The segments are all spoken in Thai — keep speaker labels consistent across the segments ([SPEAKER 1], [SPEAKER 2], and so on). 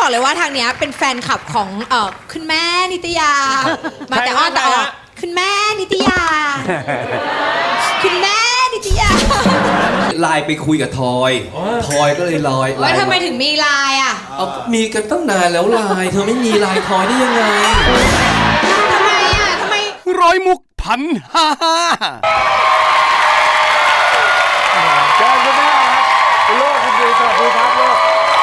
[SPEAKER 1] บอกเลยว่าทางเนี้ยเป็นแฟนคลับของคุณแม่นิตยามาแต่อ้อนแต่ออกคุณแม่นิตยาคุณแม่นิตยา
[SPEAKER 2] ไลน์ไปคุยกับทอยก็เลยลอย
[SPEAKER 1] ว่าทำไมถึงมีไลน์อ่ะ
[SPEAKER 2] มีกันตั้งนานแล้วไลน์เธอไม่มีไลน์ทอยได้ยังไง
[SPEAKER 1] ทำไมอ่ะทำไม
[SPEAKER 3] ร้อยมุกพันห้า
[SPEAKER 4] เชิญคุณแม่ครับคุณลูกคุณดีสวัสดีครับลูก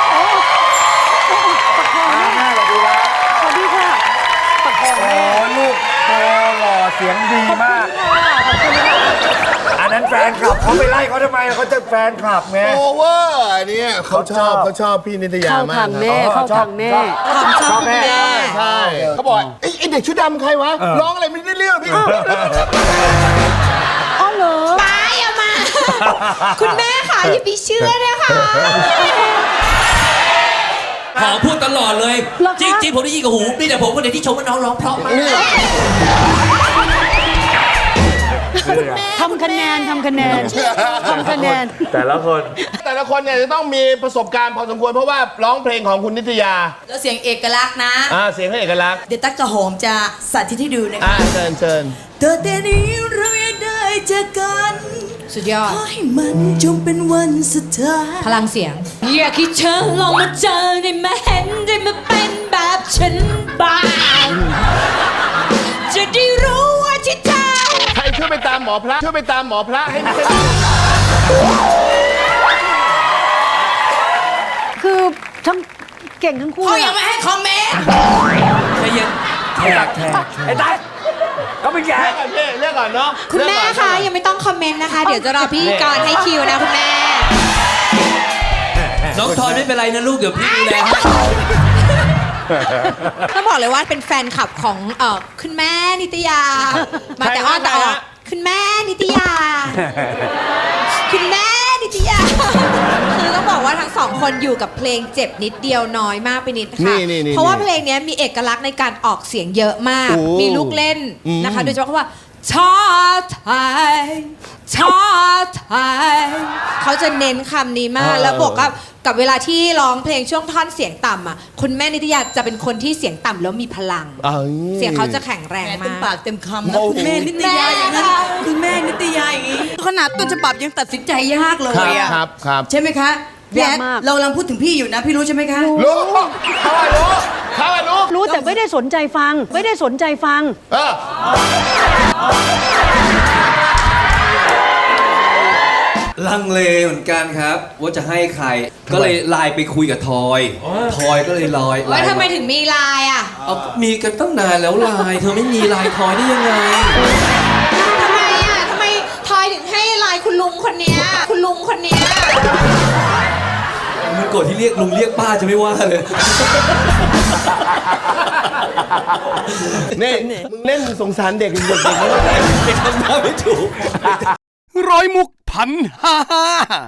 [SPEAKER 4] แม่สวัสดีครับ
[SPEAKER 5] สวัสดีค่ะประคองแม่
[SPEAKER 4] ลูกโตหล่อเสียงดีมากอันนั้นแฟนคลับเขาไปไล่เขาทำไมเขาจะแฟนคลับไง
[SPEAKER 6] โอเวอร์อันนี้เขาชอบพี่นิตยามาก
[SPEAKER 5] เข้าทางแม่เข้าทางแม่
[SPEAKER 4] ชอบแม่
[SPEAKER 6] ใช่เขาบอกไอ้เด็กชุดดำใครวะร้องอะไรไม่ได้เรื่องพี่
[SPEAKER 5] อ๋อเหรอ
[SPEAKER 1] ไปเอามาคุณแม่ค่ะอย่าไปเชื่อนะคะ
[SPEAKER 2] หอพูดตลอดเลยจริงผมได้ยินกับหูมีแต่ผมคนเดียวที่ชมว่าน้องร้องเพราะมาก
[SPEAKER 5] ทำคะแนน
[SPEAKER 4] แต่ละ
[SPEAKER 6] คนเนี่ยจะต้องมีประสบการณ์พอสมควรเพราะว่าร้องเพลงของคุณนิตยา
[SPEAKER 7] แล้วเสียงเอกลักษณ์นะ
[SPEAKER 6] เสียงเขาเอกลักษณ์
[SPEAKER 7] เดี๋ยวตั๊กกะหอมจะสาธิตให้ดูนะคะ
[SPEAKER 6] เชิญ
[SPEAKER 7] แต่นี้เรายังได้เจอกัน
[SPEAKER 1] สุดยอด
[SPEAKER 7] ขอให้มันจงเป็นวันสุดท้าย
[SPEAKER 1] พลังเสียงอยากให้เธอลองมาเจอได้มาเห็นได้มาเป็นแบบฉันบ้างจะได้รู้ว่าที่เธอ
[SPEAKER 6] ใครช่วยไปตามหมอพระให้มัน
[SPEAKER 5] คือทั้งเก่งทั้งคู่
[SPEAKER 7] เขายังไม่ให้คอมเมนต์
[SPEAKER 2] ใจเย็นแทก
[SPEAKER 4] ไอ้ตั๊กเขาเป็นแก
[SPEAKER 6] เลือกก่อนเนาะ
[SPEAKER 1] คุณแม่คะยังไม่ต้องคอมเมนต์นะคะเดี๋ยวจะรอพี่กรให้คิวนะคุณแม่
[SPEAKER 2] น้องทอยไม่เป็นไรนะลูกเดี๋ยวพี่ดูแล
[SPEAKER 1] ต้องบอกเลยว่าเป็นแฟนคลับของคุณแม่นิตยามาแต่อ้อนแต่ออกคุณแม่นิตยาคุณแม่นิตยาคือต้องบอกว่าทั้งสองคนอยู่กับเพลงเจ็บนิดเดียวน้อยมากไปนิดค่ะเพราะว่าเพลงนี้มีเอกลักษณ์ในการออกเสียงเยอะมากมีลูกเล่นนะคะโดยเฉพาะว่าชาไทยเขาจะเน้นคำนี้มากแล้วบวกกับเวลาที่ร้องเพลงช่วงท่อนเสียงต่ำอ่ะคุณแม่นิตยาจะเป็นคนที่เสียงต่ำแล้วมีพลังเสียงเขาจะแข็งแรงมาก
[SPEAKER 7] เต็มปากเต็มคำนะคุณแม่นิตยาอย่างนั้นคุณแม่นิตยาอย่างนี้ขนาดต้นฉบับยังตัดสินใจยากเลยอ่ะ
[SPEAKER 6] ครับ
[SPEAKER 7] ใช่ไหมคะพี่แอดเรากำลังพูดถึงพี่อยู่นะพี่รู้ใช่ไหมคะ
[SPEAKER 6] รู้
[SPEAKER 5] รู้แต่ไม่ได้สนใจฟัง
[SPEAKER 2] ลังเลเหมือนกันครับว่าจะให้ใครก็เลยไลน์ไปคุยกับทอยก็เลยลอย
[SPEAKER 1] ว่าทำไมถึงมีไลน์อ่ะ
[SPEAKER 2] มีกันตั้งนานแล้วไลน์เธอไม่มีไลน์ทอยได้ยังไง
[SPEAKER 1] ทำไมทอยถึงให้ไลน์คุณลุงคนเนี้ย
[SPEAKER 2] มันโกรธที่เรียกลุงเรียกป้าจะไม่ว่าเลย
[SPEAKER 6] นี่มึงเล่นสงสารเด็กไม่
[SPEAKER 2] ทำหน้าไม่ถูก
[SPEAKER 3] ร้อยมุกพันห้า